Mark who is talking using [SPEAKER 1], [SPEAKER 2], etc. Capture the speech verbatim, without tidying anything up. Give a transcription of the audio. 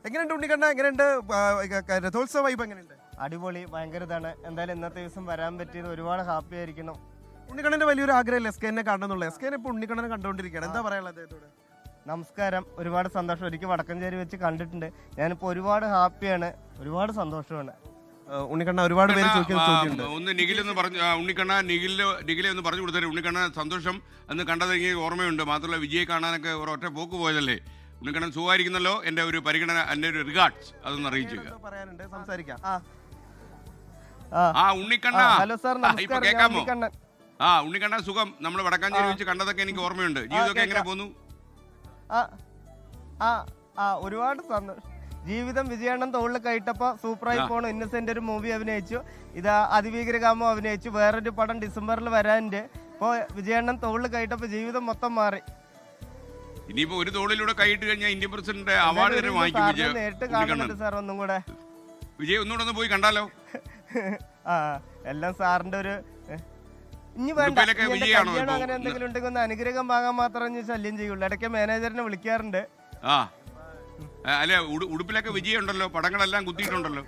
[SPEAKER 1] എങ്ങനെയുണ്ട് ഉണ്ണിക്കണ്ണ? എങ്ങനെയുണ്ട് രഥോത്സവ വൈബ്? എങ്ങനെയുണ്ട്?
[SPEAKER 2] അടിപൊളി, ഭയങ്കര ഇതാണ്. എന്തായാലും ഇന്നത്തെ ദിവസം വരാൻ പറ്റിയത് ഒരുപാട് ഹാപ്പി ആയിരിക്കണം.
[SPEAKER 1] ഉണ്ണിക്കണ്ണന്റെ വലിയൊരു ആഗ്രഹം എസ് കെനെ കാണണമെന്നുള്ള. എസ് കെനെ ഇപ്പൊ ഉണ്ണിക്കണ്ണനെ കണ്ടുകൊണ്ടിരിക്കുകയാണ്. എന്താ പറയാനുള്ളത് അദ്ദേഹത്തോട്?
[SPEAKER 2] നമസ്കാരം, ഒരുപാട് സന്തോഷം. ഒരിക്കൽ വടക്കഞ്ചേരി വെച്ച് കണ്ടിട്ടുണ്ട്. ഞാനിപ്പോൾ ഒരുപാട് ഹാപ്പിയാണ്, ഒരുപാട് സന്തോഷമാണ്.
[SPEAKER 1] ഉണ്ണിക്കണ്ണ ഒരുപാട് പേര് ചോദിക്കുന്ന ചോദ്യമുണ്ട്.
[SPEAKER 3] ഒന്ന് നിഖിലെന്ന് പറഞ്ഞു, ഉണ്ണിക്കണ്ണ നിഖില് നിഖിലെ ഒന്ന് പറഞ്ഞു കൊടുത്തേ. ഉണ്ണിക്കണ്ണ സന്തോഷം എന്ന് കണ്ടത് എനിക്ക് ഓർമ്മയുണ്ട്. മാത്രമല്ല വിജയെ കാണാനൊക്കെ ഒരൊറ്റ പോക്ക് പോയതല്ലേ. ഉണ്ണിക്കണ്ണൻ സുഖമായിരിക്കുന്നല്ലോ. എൻ്റെ ഒരു പരിഗണന, എൻ്റെ ഒരു റിഗാർഡ്സ് അതൊന്ന് അറിയിച്ചു.
[SPEAKER 1] പറയാനുണ്ട്, സംസാരിക്കാം.
[SPEAKER 3] ആ ഉണ്ണിക്കണ്ണ,
[SPEAKER 2] ഹലോ സാർ,
[SPEAKER 3] ഇപ്പൊ കേൾക്കാമോ? ആ ഉണ്ണിക്കണ്ണ സുഖം. നമ്മൾ വടക്കാഞ്ചേരി വെച്ച് കണ്ടതൊക്കെ എനിക്ക് ഓർമ്മയുണ്ട്. ജീവിതമൊക്കെ എങ്ങനെ പോന്നു?
[SPEAKER 2] ആ ഒരുപാട് സന്തോഷം. ജീവിതം വിജയണ്ണൻ തോളിൽ കയറ്റപ്പോ സൂപ്പറായി പോണു. ഇന്നസെന്റ് ഒരു മൂവി അഭിനയിച്ചു, ഇത് അതിഭീകരകാമോ അഭിനയിച്ചു. വേറൊരു പടം ഡിസംബറിൽ വരാനുണ്ട്. ഇപ്പോൾ വിജയണ്ണൻ തോളിൽ കയറ്റപ്പോ ജീവിതം മൊത്തം മാറി.
[SPEAKER 3] ഇനിയിപ്പോ ഒരു തോളിലൂടെ കൈയിട്ട് കഴിഞ്ഞാൽ ഇന്ത്യൻ പ്രസിഡന്റ് അവാർഡ് തന്നെ വാങ്ങിക്കും വിജയ.
[SPEAKER 2] നേരിട്ട് കാണുന്നുണ്ട് സാർ, ഒന്നും കൂടെ.
[SPEAKER 3] വിജയ് ഒന്നുകൂടെ ഒന്ന് പോയി കണ്ടാലോ?
[SPEAKER 2] ആ എല്ലാം സാറിന്റെ ഒരു ഇനി വേണ്ട, അങ്ങനെ എന്തെങ്കിലും ഉണ്ടെങ്കിൽ ഒന്ന് അനുഗ്രഹം വാങ്ങാൻ മാത്രം ശല്യം ചെയ്യുള്ളൂ. ഇടയ്ക്ക് മാനേജറിനെ വിളിക്കാറുണ്ട്.
[SPEAKER 3] ആ അല്ലെ, ഉടുപ്പിലൊക്കെ വിജയം ഉണ്ടല്ലോ, പടങ്ങളെല്ലാം കുത്തിയിട്ടുണ്ടല്ലോ.